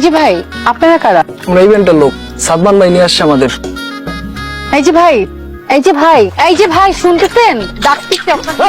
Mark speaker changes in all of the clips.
Speaker 1: যে ভাই, আপনারা কারা?
Speaker 2: আমরা ইভেন্টের লোক, সাদমান ভাই নিয়ে আসছে আমাদের।
Speaker 1: এই যে ভাই, এই যে ভাই, এই যে ভাই, শুনতেছেন? ডাকতেছি আপনাকে।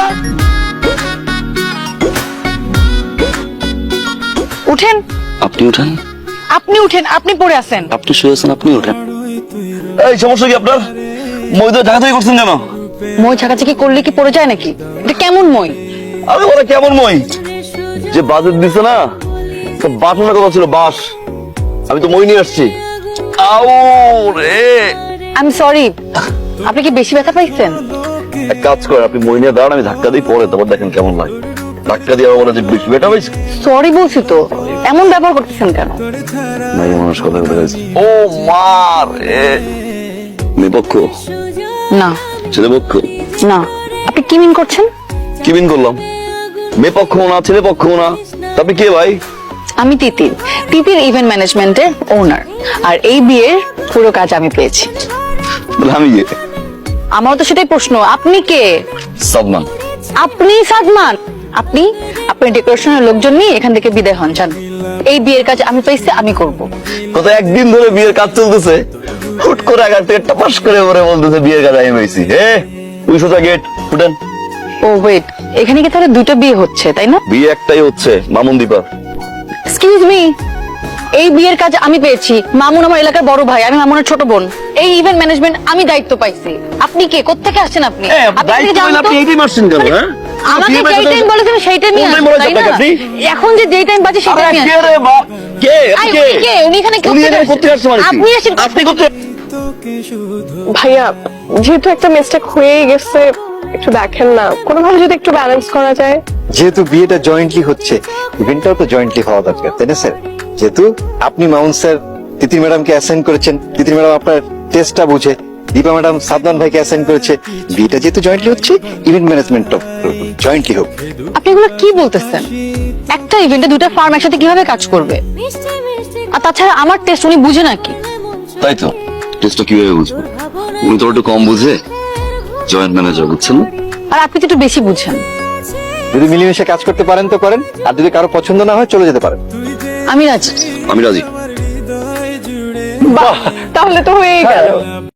Speaker 1: উঠেন।
Speaker 3: আপনি উঠেন,
Speaker 1: আপনি উঠেন, আপনি পড়ে আছেন।
Speaker 3: আপনি শুয়ে আছেন, আপনি উঠেন।
Speaker 4: এই সমস্যা কি আপনার? মই তো ঢাকা থেকে করছেন কেন?
Speaker 1: মই ছাকাছাকি করলে কি পড়ে যায় নাকি? এটা কেমন মই?
Speaker 4: আরে বলে কেমন মই? যে বাজেট দিছে না, তো বাটনের কথা ছিল বাস। আমি তো মই নিয়ে আসছি। আউ রে,
Speaker 1: আমি সরি, আপনি কি বেশি ব্যথা পাইছেন?
Speaker 4: এক কাজ করেন, আপনি মই নিয়ে দাঁড়ান, আমি ধাক্কা দিই পরে, তারপর দেখেন কেমন লাগে। ধাক্কা দিয়ে আবার বলে যে বেশি বেটা হয়েছে।
Speaker 1: সরি বলছি তো, এমন ব্যবহার করতেছেন কেন?
Speaker 4: নাই মানুষ কথা বলে গেছে। ও মা রে, মেয়ে পক্ষ,
Speaker 1: না
Speaker 4: ছেলে পক্ষ।
Speaker 1: না, আপনি কি মিন করছেন?
Speaker 4: কি বিন করলাম? মেয়ে পক্ষ না, ছেলে পক্ষ না, তা আপনি কে ভাই?
Speaker 1: আমি তিতির, তিতির ইভেন্ট ম্যানেজমেন্টের ওনার। আর এই বিয়ের পুরো কাজ আমি পেয়েছি।
Speaker 4: বলে আমি কে?
Speaker 1: আমারও তো সেটাই প্রশ্ন, আপনি কে?
Speaker 4: সাদমান।
Speaker 1: আপনি সাদমান? আপনি আপনার ডেকোরেশনের লোকজন নিয়ে এখান থেকে বিদায় হন, যান। এই বিয়ের কাজ আমি পেয়েছি, আমি করব।
Speaker 4: গত একদিন ধরে বিয়ের কাজ চলতেছে, হুট করে আগার থেকে টাপাস করে পরে বলতেছে বিয়ের কাজ আমি পেয়েছি। হে ওই সোজা গেট ফুটেন।
Speaker 1: ও ওয়েট, এখানে কি তাহলে দুটো বিয়ে হচ্ছে, তাই না?
Speaker 4: বিয়ে একটাই হচ্ছে, মামুন দীপা।
Speaker 1: এক্সকিউজ মি, এই বিয়ের কাজ আমি পেয়েছি। মামুন আমার এলাকার বড় ভাই, আমি মামুনের ছোট বোন। এই ইভেন্ট ম্যানেজমেন্ট আমি দায়িত্ব পাইছি। আপনি কে? কোত্থেকে আসছেন আপনি? আপনি কি জানেন তো?
Speaker 4: এইটাই মারছেন কেন? হ্যাঁ
Speaker 1: আমাকে যেই টাইম বলেছেন সেই টাইমই
Speaker 4: কোন time
Speaker 1: আসবেন,
Speaker 4: বলেছেন
Speaker 1: তাই না?
Speaker 4: আপনি?
Speaker 1: এখন যে যেই টাইম বাজে সেই
Speaker 4: আরে
Speaker 1: টাইমই
Speaker 4: কে
Speaker 1: আসবেন।
Speaker 4: রে মা? কে?
Speaker 1: আই,
Speaker 4: কে?
Speaker 1: উনি কে? উনি এখানে
Speaker 4: উনি এখানে করতে আসছে মানে কি?
Speaker 1: আপনি আসেন।
Speaker 4: আপনি করতে
Speaker 5: ভাইয়া, যেহেতু একটা মিস্টেক হয়েই গেছে, একটু দেখেন না, কোনোভাবে যদি একটু ব্যালেন্স করা যায়।
Speaker 6: যেহেতু বিয়েটা জয়েন্টলি হচ্ছে, ইভেন্টটাও তো জয়েন্টলি হওয়া দরকার, তাই না স্যার? যেহেতু আপনি মাউন্ট স্যার তিতির ম্যাডামকে অ্যাসাইন করেছেন, তিতির ম্যাডাম আপনার টেস্টটা বুঝে, দীপা ম্যাডাম সাদমান ভাইকে অ্যাসাইন করেছে, বিয়েটা যেহেতু জয়েন্টলি হচ্ছে, ইভেন্ট ম্যানেজমেন্টটাও জয়েন্টলি হোক।
Speaker 1: আপনি এগুলো কি বলতেছেন? একটা ইভেন্টে দুটো ফার্ম একসাথে কিভাবে কাজ করবে? আর তাছাড়া আমার টেস্ট উনি বুঝে নাকি?
Speaker 3: তাই তো, টেস্টটা কিভাবে বুঝবো? উনি তো একটু কম বুঝে, জয়েন্ট ম্যানেজার, বুঝছেন না?
Speaker 1: আর আপনি তো একটু বেশি বুঝেন।
Speaker 6: যদি মিলেমিশে কাজ করতে পারেন তো করেন, আর যদি কারো পছন্দ না হয় চলে যেতে পারেন।
Speaker 1: আমি রাজি।
Speaker 3: আমি রাজি।
Speaker 5: বাহ, তাহলে তো হয়েই গেল।